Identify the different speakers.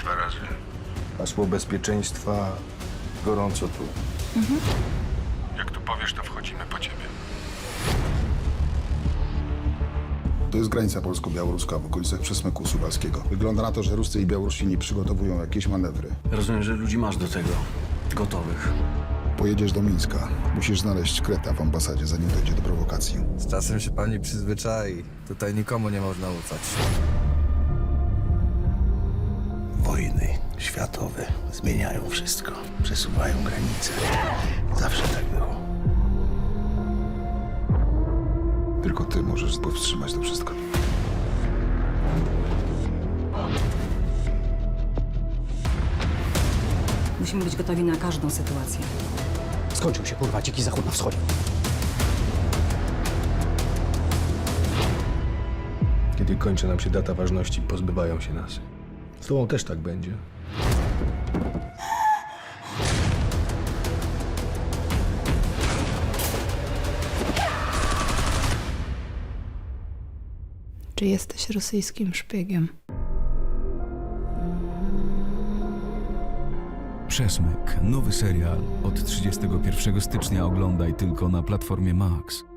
Speaker 1: 2 razy.
Speaker 2: Hasło bezpieczeństwa, gorąco tu.
Speaker 1: Jak tu powiesz, to wchodzimy po ciebie.
Speaker 3: To jest granica polsko-białoruska w okolicach Przesmyku Suwalskiego. Wygląda na to, że Ruscy i Białorusini przygotowują jakieś manewry.
Speaker 4: Rozumiem, że ludzi masz do tego. Gotowych.
Speaker 3: Pojedziesz do Mińska. Musisz znaleźć Kreta w ambasadzie, zanim dojdzie do prowokacji.
Speaker 5: Z czasem się pani przyzwyczai. Tutaj nikomu nie można ufać.
Speaker 6: Wojny światowe zmieniają wszystko. Przesuwają granice. Zawsze tak było.
Speaker 3: Tylko ty możesz powstrzymać to wszystko.
Speaker 7: Musimy być gotowi na każdą sytuację.
Speaker 8: Skończył się, kurwa, dziki zachód na wschodzie.
Speaker 2: Kiedy kończy nam się data ważności, pozbywają się nas. Z tobą też tak będzie.
Speaker 9: Czy jesteś rosyjskim szpiegiem?
Speaker 10: Przesmyk. Nowy serial od 31 stycznia oglądaj tylko na platformie Max.